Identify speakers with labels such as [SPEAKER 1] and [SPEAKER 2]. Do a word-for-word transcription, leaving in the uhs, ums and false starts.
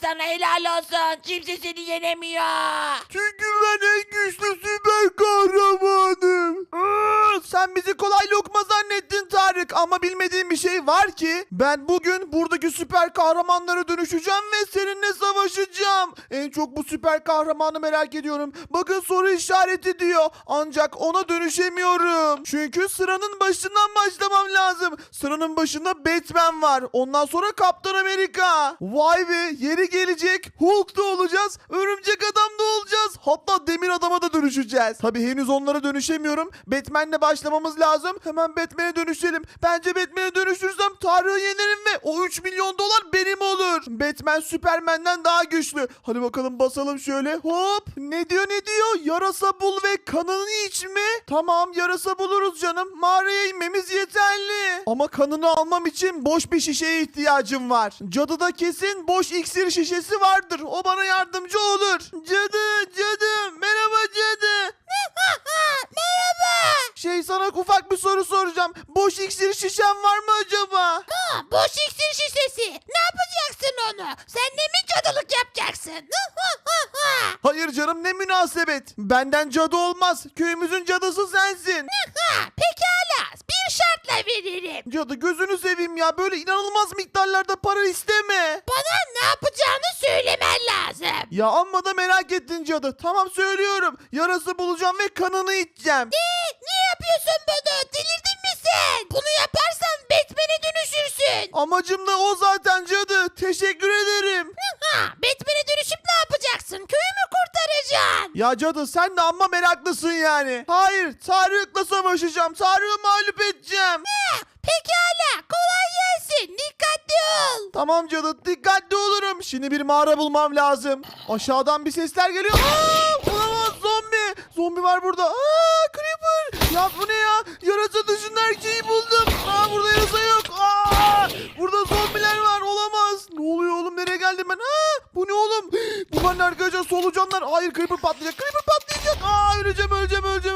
[SPEAKER 1] sana helal olsun. Kimse seni yenemiyor.
[SPEAKER 2] Çünkü ben en güçlü süper kahramanım. Iıı, sen bizi kolay lokma zannettin Tarık. Ama bilmediğin bir şey var ki. Ben bugün buradaki süper kahramanlara dönüşeceğim ve seninle savaşacağım. En çok bu süper kahramanı merak ediyorum. Bakın soru işareti diyor. Ancak ona dönüşemiyorum. Çünkü sıranın başından başlamam lazım. Sıranın başında Batman var. Ondan sonra Kaptan Amerika. Vay be, yeri gelecek Hulk da olacağız. Örümcek Adam da olacağız. Hatta Demir Adam'a da dönüşeceğiz. Tabi henüz onlara dönüşemiyorum. Batman'le başlamamız lazım. Hemen Batman'e dönüşelim. Bence Batman'e dönüşürsem Tarık'ı yenerim ve o üç milyon dolar benim olur. Batman Superman'den daha güçlü. Hadi bakalım basalım şöyle. Hop. Ne diyor ne diyor? Yarasa bul ve kanını iç mi? Tamam, yarasa buluruz canım. Mağaraya inmemiz yeterli. Ama kanını almam için boş bir şişeye ihtiyacım var. Cadıda kesin boş iksir şişesi vardır. O bana yardımcı olur. Cadı, cadı. Merhaba cadı.
[SPEAKER 1] Merhaba.
[SPEAKER 2] Şey, sana ufak bir soru soracağım. Boş iksir şişen var mı acaba?
[SPEAKER 1] Ha, boş iksir şişesi. Ne yapacaksın onu? Sen de mi cadılık yapacaksın?
[SPEAKER 2] Hayır canım, ne münasebet. Benden cadı olmaz. Köyümüzün cadısı sensin.
[SPEAKER 1] Ha, pekala. Bir şartla veririm.
[SPEAKER 2] Cadı, gözünü seveyim ya. Böyle inanılmaz miktarlarda para isteme.
[SPEAKER 1] Bana ne yapacağını söylemen lazım.
[SPEAKER 2] Ya amma da merak ettin cadı. Tamam, söylüyorum. Yarası bulacağım ve kanını içeceğim.
[SPEAKER 1] Ne? Niye yapıyorsun bunu? Delirdin mi sen? Bunu yaparsan Batman'e dönüşürsün.
[SPEAKER 2] Amacım da o zaten cadı. Teşekkür ederim.
[SPEAKER 1] Ha, Batman'e dönüşüp ne yapacaksın? Köyü mü kurtaracaksın?
[SPEAKER 2] Ya cadı, sen de amma meraklısın yani. Hayır, Tarık'la savaşacağım. Tarık'ı mağlup edeceğim.
[SPEAKER 1] Ha, pekala. Kolay gelsin. Dikkatli ol.
[SPEAKER 2] Tamam cadı, dikkatli olurum. Şimdi bir mağara bulmam lazım. Aşağıdan bir sesler geliyor. Aa, olamaz, zombi. Zombi var burada. Aa, Creeper. Ya bu ne ya? Yarasa dışında her şeyi buldum. Aa, burada yarasa yok. Aa, burada zombiler var. Olamaz. Ne oluyor oğlum? Nereye geldim ben? Aa, bu ne oğlum? Bunlar ne arkadaşlar? Solucanlar. Hayır, Creeper patlayacak. Creeper patlayacak. Aa, öleceğim, öleceğim, öleceğim,